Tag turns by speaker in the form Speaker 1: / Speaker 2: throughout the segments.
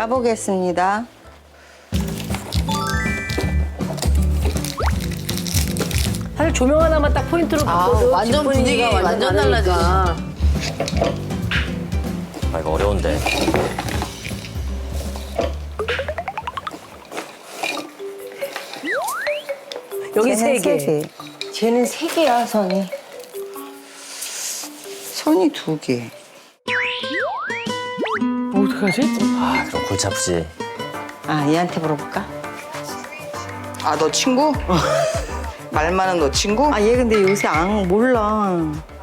Speaker 1: 까보겠습니다.
Speaker 2: 사실 조명 하나만 딱 포인트로 바꿔도
Speaker 3: 완전
Speaker 2: 집 분위기가
Speaker 3: 분위기 완전
Speaker 2: 다르니까.
Speaker 4: 아, 이거 어려운데.
Speaker 2: 여기 세 개.
Speaker 1: 쟤는 세 개야, 선이. 선이 두 개.
Speaker 2: 어떡하지?
Speaker 4: 아, 그럼 골치 아프지.
Speaker 1: 아, 얘한테 물어볼까?
Speaker 5: 아, 너 친구? 말 많은 너 친구?
Speaker 1: 아, 얘 근데 요새 안 몰라.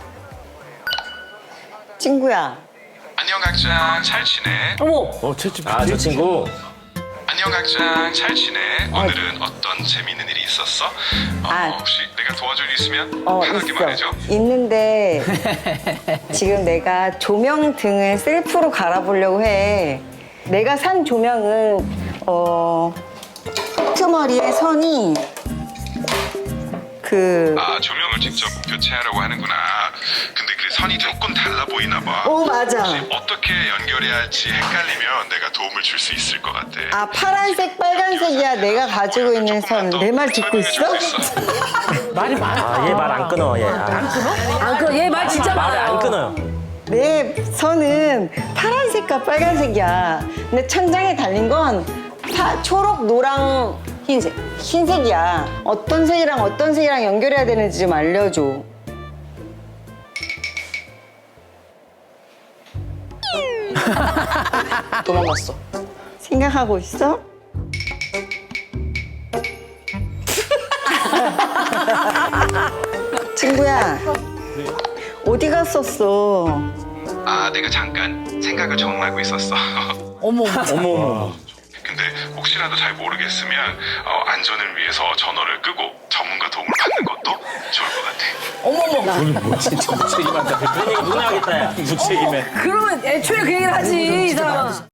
Speaker 1: 친구야.
Speaker 6: 안녕 각장 잘 지내?
Speaker 2: 어머,
Speaker 4: 아, 저 친구.
Speaker 6: 안녕 각장 잘 지내? 오늘은 어떤 재미있는 일이 있었어?
Speaker 1: 아.
Speaker 6: 혹시 내가 도와줄 일 있으면 편하게 말해줘.
Speaker 1: 있는데 지금 내가 조명 등을 셀프로 갈아보려고 해. 내가 산 조명은 끄트머리에 선이
Speaker 6: 아 조명을 직접 교체하려고 하는구나. 근데 그 선이 조금 달라 보이나 봐.
Speaker 1: 맞아.
Speaker 6: 어떻게 연결해야 할지 헷갈리면 내가 도움을 줄 수 있을 것 같아.
Speaker 1: 아, 파란색, 빨간색이야. 내가 가지고 있는 선. 내 말 듣고 있어?
Speaker 2: 말이 많아.
Speaker 4: 아, 얘 말 안 끊어, 얘.
Speaker 2: 안 끊어? 얘 말 진짜
Speaker 4: 말을
Speaker 2: 많아요.
Speaker 4: 안 끊어요.
Speaker 1: 내 선은 파란색과 빨간색이야. 근데 천장에 달린 건 초록, 노랑, 흰색. 흰색이야. 어떤 색이랑 연결해야 되는지 좀 알려줘.
Speaker 5: 도망갔어.
Speaker 1: 생각하고 있어? 친구야, 어디 갔었어?
Speaker 6: 아 내가 잠깐 생각을 좀 하고 있었어.
Speaker 3: 어머.
Speaker 6: 근데 혹시라도 잘 모르겠으면 안전을 위해서 전화를 끄고 전문가 도움을 받는 것도 좋을 것 같아.
Speaker 4: 그런 얘기 누나 하겠다, 야.
Speaker 2: 그러면 애초에 그 얘기를 하지, 이 사람아.